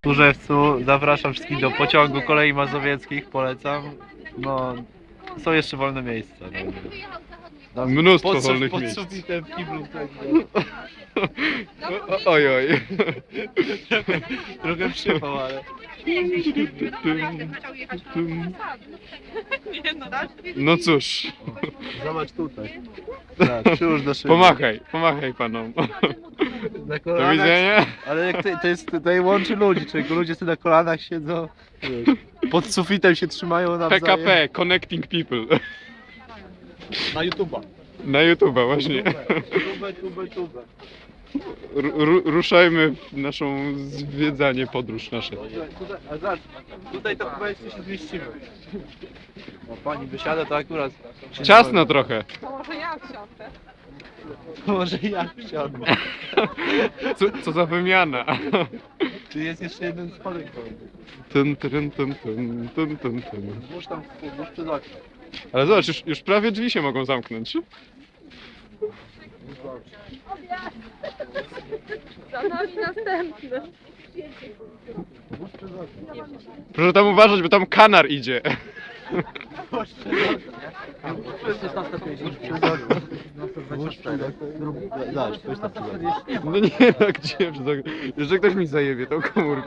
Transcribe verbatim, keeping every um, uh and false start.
W Tłużewcu zapraszam wszystkich do pociągu kolei mazowieckich, polecam. No, są jeszcze wolne miejsca. No. Mnóstwo Pod, wolnych pod miejsc. sufitem w kiblu. Tak, O- Oj, oj. trochę przypał, ale... No cóż, Zobacz tutaj. Tak, przyłóż do szyby. pomachaj, pomachaj panom. Na Do kolanach, widzenia. ale jak to, to jest, tutaj łączy ludzi, czyli ludzie sobie na kolanach siedzą, wiesz, pod sufitem się trzymają nawzajem. P K P, Connecting People. Na YouTube'a. Na YouTube'a właśnie. Tubę, tubę, tubę. Ru- ruszajmy w naszą zwiedzanie, podróż nasze. Tutaj, tutaj, a zobacz, tutaj to chyba jeszcze się zmieścimy. O, pani wysiada, to akurat... się Ciasno nie trochę. To może ja wsiądę. wolno. Może ja wsiadnę. Co, co za wymiana. Czy jest jeszcze jeden spadek? Tun, tun, tun, tun, tun, tun, tun. Włóż tam, włóż przez okno. Ale zobacz, już, już prawie drzwi się mogą zamknąć. Za nami następny. Włóż przez okno. Proszę tam uważać, bo tam kanar idzie. Włóż przez okno. Włóż przez okno. Włóż przez okno. Zobacz, to jest tam. No nie, no gdzie? Jeszcze ktoś mi zajebie tą komórkę.